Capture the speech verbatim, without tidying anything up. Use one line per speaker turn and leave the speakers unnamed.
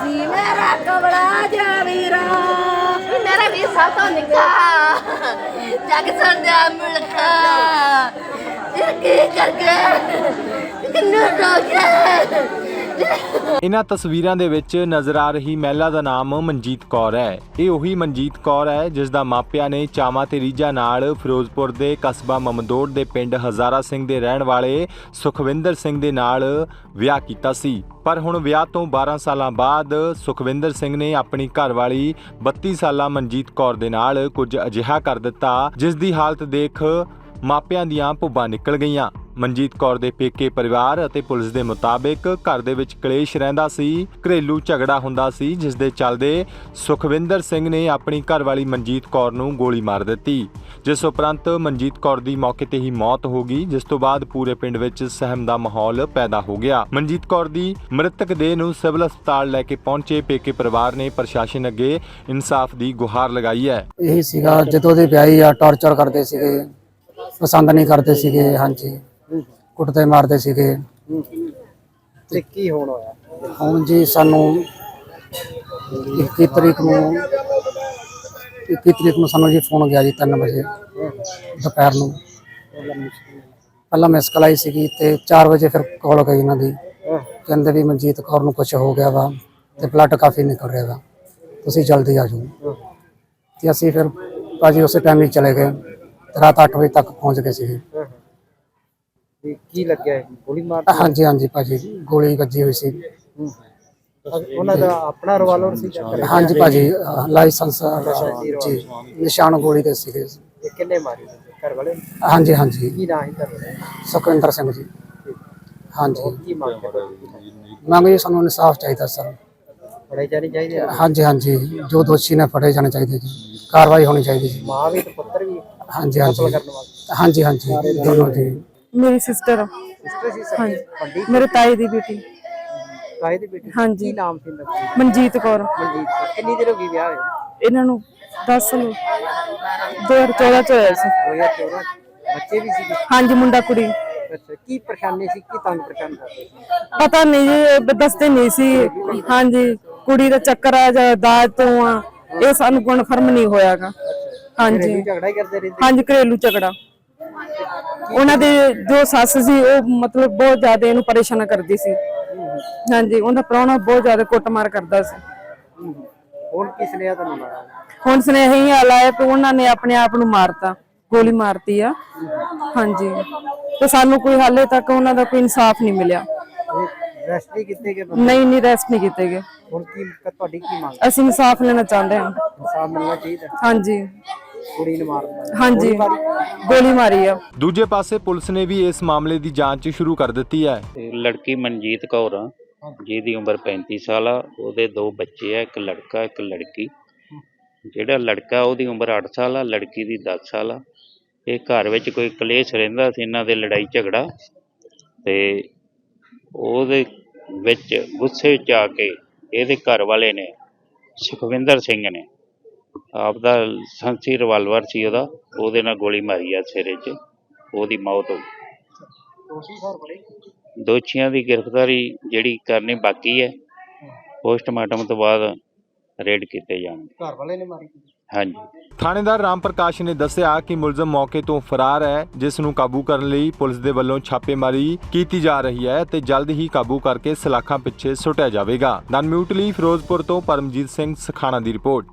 ਨੀ ਮੇਰਾ ਕਬੜਾ ਜਾ ਵੀਰਾ
ਮੇਰਾ ਵੀ ਸਭ ਤੋਂ ਨਿੱਕਾ ਜੱਗ ਸਰਦਾ ਮੁਲਕਾ ਇਹ ਕੀ ਕਰਕੇ ਕਿੰਨਾ ਟੋਕਿਆ।
ਇਨ੍ਹਾਂ ਤਸਵੀਰਾਂ ਦੇ ਵਿੱਚ ਨਜ਼ਰ ਆ ਰਹੀ ਮਹਿਲਾ ਦਾ ਨਾਮ ਮਨਜੀਤ ਕੌਰ ਹੈ। ਇਹ ਉਹੀ ਮਨਜੀਤ ਕੌਰ ਹੈ ਜਿਸ ਦਾ ਮਾਪਿਆਂ ਨੇ ਚਾਵਾਂ ਤੇ ਰੀਝਾਂ ਨਾਲ ਫਿਰੋਜ਼ਪੁਰ ਦੇ ਕਸਬਾ ਮਮਦੋੜ ਦੇ ਪਿੰਡ ਹਜ਼ਾਰਾ ਸਿੰਘ ਦੇ ਰਹਿਣ ਵਾਲੇ ਸੁਖਵਿੰਦਰ ਸਿੰਘ ਦੇ ਨਾਲ ਵਿਆਹ ਕੀਤਾ ਸੀ। ਪਰ ਹੁਣ ਵਿਆਹ ਤੋਂ ਬਾਰਾਂ ਸਾਲਾਂ ਬਾਅਦ ਸੁਖਵਿੰਦਰ ਸਿੰਘ ਨੇ ਆਪਣੀ ਘਰਵਾਲੀ ਬੱਤੀ ਸਾਲਾ ਮਨਜੀਤ ਕੌਰ ਦੇ ਨਾਲ ਕੁਝ ਅਜਿਹਾ ਕਰ ਦਿੱਤਾ ਜਿਸ ਦੀ ਹਾਲਤ ਦੇਖ ਮਾਪਿਆਂ ਦੀਆਂ ਭੁੱਬਾਂ ਨਿਕਲ ਗਈਆਂ। ਮਨਜੀਤ ਕੌਰ ਦੇ ਪੇਕੇ ਪਰਿਵਾਰ ਅਤੇ ਪੁਲਿਸ ਦੇ ਮੁਤਾਬਿਕ ਘਰ ਦੇ ਵਿੱਚ ਕਲੇਸ਼ ਰਹਿੰਦਾ ਸੀ, ਘਰੇਲੂ ਝਗੜਾ ਹੁੰਦਾ ਸੀ, ਜਿਸ ਦੇ ਚੱਲਦੇ ਸੁਖਵਿੰਦਰ ਸਿੰਘ ਨੇ ਆਪਣੀ ਘਰਵਾਲੀ ਮਨਜੀਤ ਕੌਰ ਨੂੰ ਗੋਲੀ ਮਾਰ ਦਿੱਤੀ, ਜਿਸ ਉਪਰੰਤ ਮਨਜੀਤ ਕੌਰ ਦੀ ਮੌਕੇ ਤੇ ਹੀ ਮੌਤ ਹੋ ਗਈ, ਜਿਸ ਤੋਂ ਬਾਅਦ ਪੂਰੇ ਪਿੰਡ ਵਿੱਚ ਸਹਿਮ ਦਾ ਮਾਹੌਲ ਪੈਦਾ ਹੋ ਗਿਆ। ਮਨਜੀਤ ਕੌਰ ਦੀ ਮ੍ਰਿਤਕ ਦੇਹ ਨੂੰ ਸਿਵਲ ਹਸਪਤਾਲ ਲੈ ਕੇ ਪਹੁੰਚੇ ਪੇਕੇ ਪਰਿਵਾਰ ਨੇ ਪ੍ਰਸ਼ਾਸਨ ਅੱਗੇ ਇਨਸਾਫ ਦੀ ਗੁਹਾਰ ਲਗਾਈ ਹੈ।
ਇਹੀ ਸੀਗਾ ਜਦੋਂ ਦੇ ਵਿਆਹੀ ਆ ਟਾਰਚਰ ਕਰਦੇ ਸੀਗੇ, ਪਸੰਦ ਨਹੀਂ ਕਰਦੇ ਸੀਗੇ, ਹਾਂਜੀ ਕੁੱਟਦੇ ਮਾਰਦੇ ਸੀਗੇ।
ਤੇ ਕੀ ਹੋਣ ਹੋਇਆ
ਹੁਣ ਜੀ ਸਾਨੂੰ ਇੱਕੀ ਤਰੀਕ ਨੂੰ ਇੱਕੀ ਤਰੀਕ ਨੂੰ ਸਾਨੂੰ ਜੀ ਫੋਨ ਗਿਆ ਜੀ ਤਿੰਨ ਵਜੇ ਦੁਪਹਿਰ ਨੂੰ। ਪਹਿਲਾਂ ਮਿਸ ਕਾਲ ਆਈ ਸੀਗੀ ਤੇ ਚਾਰ ਵਜੇ ਫਿਰ ਕਾਲ ਗਈ ਇਹਨਾਂ ਦੀ, ਕਹਿੰਦੇ ਵੀ ਮਨਜੀਤ ਕੌਰ ਨੂੰ ਕੁਝ ਹੋ ਗਿਆ ਵਾ ਤੇ ਬਲੱਡ ਕਾਫੀ ਨਿਕਲ ਰਿਹਾ ਵਾ, ਤੁਸੀਂ ਜਲਦੀ ਆ ਜਾਓ। ਤੇ ਅਸੀਂ ਫਿਰ ਭਾਜੀ ਉਸੇ ਟਾਈਮ ਹੀ ਚਲੇ ਗਏ, ਰਾਤ ਅੱਠ ਵਜੇ ਤੱਕ ਪਹੁੰਚ ਗਏ ਸੀਗੇ।
ਕੀ ਲੱਗਿਆ ਗੋਲੀ ਮਾਰ?
ਹਾਂਜੀ ਹਾਂਜੀ ਭਾਜੀ ਗੋਲੀ ਵੱਜੀ ਹੋਈ ਸੀ।
ਉਹਨਾਂ ਦਾ ਆਪਣਾ ਰਿਵਾਲਵਰ ਸੀ?
ਹਾਂਜੀ ਭਾਜੀ ਲਾਇਸੈਂਸ ਜੀ ਨਿਸ਼ਾਨ ਗੋਲੀ ਦੇ ਸੀਗੇ।
ਤੇ ਕਿੰਨੇ ਮਾਰੀ ਘਰ ਵਾਲੇ?
ਹਾਂਜੀ ਹਾਂਜੀ
ਕੀ ਨਾਂ ਹੈ ਘਰ ਵਾਲੇ?
ਸੁਖਵਿੰਦਰ ਸਿੰਘ ਜੀ। ਹਾਂਜੀ
ਕੀ ਮੰਗ ਕਰਦੇ?
ਮੰਗ ਜੀ ਸਾਨੂੰ ਇਨਸਾਫ ਚਾਹੀਦਾ ਸਰ।
ਫੜੇ ਜਾਣੇ ਚਾਹੀਦੇ?
ਹਾਂਜੀ ਹਾਂਜੀ ਜੋ ਦੋਸ਼ੀ ਨੇ ਫੜੇ ਜਾਣੇ ਚਾਹੀਦੇ ਜੀ, ਕਾਰਵਾਈ ਹੋਣੀ ਚਾਹੀਦੀ ਜੀ।
ਮਾਂ ਵੀ ਤੇ ਪੁੱਤਰ ਵੀ
ਹਾਂਜੀ ਹਾਂਜੀ ਹਾਂਜੀ ਹਾਂਜੀ ਦੋਨੋਂ ਜੀ।
ਮੇਰੀ ਸਿਸਟਰ
ਸਿਸਟਰ ਸੀ
ਹਾਂਜੀ
ਵੱਡੀ?
ਮੇਰੇ ਤਾਏ ਦੀ ਬੇਟੀ
ਤਾਏ ਦੀ ਬੇਟੀ?
ਹਾਂਜੀ।
ਕੀ ਨਾਮ ਸੀ ਇਹਨਾਂ ਦਾ?
ਮਨਜੀਤ ਕੌਰ।
ਮਨਜੀਤ। ਕਿੰਨੀ ਦੇਰ ਹੋ ਗਈ ਵਿਆਹ ਹੋਏ?
ਇਹਨਾਂ ਨੂੰ ਦਸ ਸਾਲ ਦੋ ਹਜ਼ਾਰ ਚੌਦਾਂ ਚ ਹੋਇਆ ਸੀ।
ਦੋ ਹਜ਼ਾਰ ਚੌਦਾਂ। ਬੱਚੇ ਵੀ ਸੀ?
ਹਾਂਜੀ ਮੁੰਡਾ ਕੁੜੀ।
ਅੱਛਾ, ਕੀ ਪਰੇਸ਼ਾਨੀ ਸੀ, ਕੀ ਤੰਗ ਪਰੇਸ਼ਾਨ ਕਰਦੇ ਸੀ?
ਪਤਾ ਨਹੀਂ ਜੀ ਦੱਸਦੇ ਨਹੀਂ ਸੀ। ਹਾਂਜੀ ਕੁੜੀ ਦਾ ਚੱਕਰ ਆ ਜਾਂ ਦਾਜ ਤੋਂ ਆ, ਇਹ ਸਾਨੂੰ ਕਨਫਰਮ ਨਹੀਂ ਹੋਇਆਗਾ। ਹਾਂਜੀ
ਝਗੜਾ ਹੀ ਕਰਦੇ ਰਹਿੰਦੇ?
ਹਾਂਜੀ ਘਰੇਲੂ ਝਗੜਾ। ਉਹਨਾਂ ਦੇ ਜੋ ਸੱਸ ਸੀ ਉਹ ਮਤਲਬ ਬਹੁਤ ਜ਼ਿਆਦਾ ਇਹਨੂੰ ਪਰੇਸ਼ਾਨ ਕਰਦੀ ਸੀ। ਹਾਂਜੀ ਉਹਦਾ ਪ੍ਰਾਹੁਣਾ ਬਹੁਤ ਜ਼ਿਆਦਾ ਕੁੱਟਮਾਰ ਕਰਦਾ ਸੀ।
ਹੁਣ ਕਿਸ ਨੇ ਤੁਹਾਨੂੰ ਮਾਰਿਆ?
ਹੁਣ ਸੁਨੇਹਾ ਹੀ ਹਾਲ ਆਇਆ ਕਿ ਉਹਨਾਂ ਨੇ ਆਪਣੇ ਆਪ ਨੂੰ ਮਾਰਤਾ, ਗੋਲੀ ਮਾਰਤੀ ਆ। ਹਾਂਜੀ ਤੇ ਸਾਨੂੰ ਕੋਈ ਹਾਲੇ ਤੱਕ ਉਹਨਾਂ ਦਾ ਕੋਈ ਇਨਸਾਫ ਨਹੀਂ ਮਿਲਿਆ।
ਰੈਸਟ ਨਹੀਂ ਕੀਤੇ ਗਏ?
ਨਹੀਂ ਨਹੀਂ ਰੈਸਟ ਨਹੀਂ ਕੀਤੇ ਗਏ।
ਹੁਣ ਕੀ ਤੁਹਾਡੀ ਕੀ ਮੰਗ?
ਅਸੀਂ ਇਨਸਾਫ ਲੈਣਾ ਚਾਹੁੰਦੇ ਹਾਂ।
ਇਨਸਾਫ ਮਿਲਣਾ ਚਾਹੀਦਾ।
ਹਾਂਜੀ
ਕੁੜੀ ਨੂੰ ਮਾਰ ਦਿੱਤਾ?
ਹਾਂਜੀ ਗੋਲੀ ਮਾਰੀ ਆ।
ਦੂਜੇ ਪਾਸੇ ਪੁਲਿਸ ਨੇ ਵੀ ਇਸ ਮਾਮਲੇ ਦੀ ਜਾਂਚ ਸ਼ੁਰੂ ਕਰ ਦਿੱਤੀ ਹੈ।
ਲੜਕੀ ਮਨਜੀਤ ਕੌਰ ਆ, ਜਿਹਦੀ ਉਮਰ ਪੈਂਤੀ ਸਾਲ ਆ। ਉਹਦੇ ਦੋ ਬੱਚੇ ਆ, ਇੱਕ ਲੜਕਾ ਇੱਕ ਲੜਕੀ। ਜਿਹੜਾ ਲੜਕਾ ਉਹਦੀ ਉਮਰ ਅੱਠ ਸਾਲ ਆ, ਲੜਕੀ ਦੀ ਦਸ ਸਾਲ ਆ। ਇਹ ਘਰ ਵਿੱਚ ਕੋਈ ਕਲੇਸ਼ ਰਹਿੰਦਾ ਸੀ, ਇਹਨਾਂ ਦੇ ਲੜਾਈ ਝਗੜਾ, ਤੇ ਉਹਦੇ ਵਿੱਚ ਗੁੱਸੇ 'ਚ ਆ ਕੇ ਇਹਦੇ ਘਰ ਵਾਲੇ ਨੇ ਸੁਖਵਿੰਦਰ ਸਿੰਘ ਨੇ ਆਪਦਾ ਸੰਸੀ ਰਿਵਾਲਵਰ ਸੀ ਉਹਦਾ, ਉਹਦੇ ਨਾਲ ਗੋਲੀ ਮਾਰੀ ਆ ਸਿਰੇ 'ਚ, ਉਹਦੀ ਮੌਤ ਹੋ ਗਈ। ਦੋਸ਼ੀਆਂ ਦੀ ਗ੍ਰਿਫਤਾਰੀ ਜਿਹੜੀ ਕਰਨੀ ਬਾਕੀ ਹੈ, ਪੋਸਟਮਾਰਟਮ ਤੋਂ ਬਾਅਦ ਰੇਡ ਕੀਤੇ ਜਾਣਗੇ।
ਘਰ ਵਾਲੇ ਨੇ ਮਾਰੀ?
ਹਾਂਜੀ।
ਥਾਣੇਦਾਰ ਰਾਮ ਪ੍ਰਕਾਸ਼ ਨੇ ਦੱਸਿਆ ਕਿ ਮੁਲਜ਼ਮ ਮੌਕੇ ਤੋਂ ਫਰਾਰ ਹੈ, ਜਿਸ ਨੂੰ ਕਾਬੂ ਕਰਨ ਲਈ ਪੁਲਿਸ ਦੇ ਵੱਲੋਂ ਛਾਪੇਮਾਰੀ ਕੀਤੀ ਜਾ ਰਹੀ ਹੈ ਤੇ ਜਲਦ ਹੀ ਕਾਬੂ ਕਰਕੇ ਸਲਾਖਾਂ ਪਿੱਛੇ ਸੁੱਟਿਆ ਜਾਵੇਗਾ। ਦਨ ਮਿਊਟ ਲਈ ਫਿਰੋਜ਼ਪੁਰ ਤੋਂ ਪਰਮਜੀਤ ਸਿੰਘ ਸਖਾਣਾ ਦੀ ਰਿਪੋਰਟ।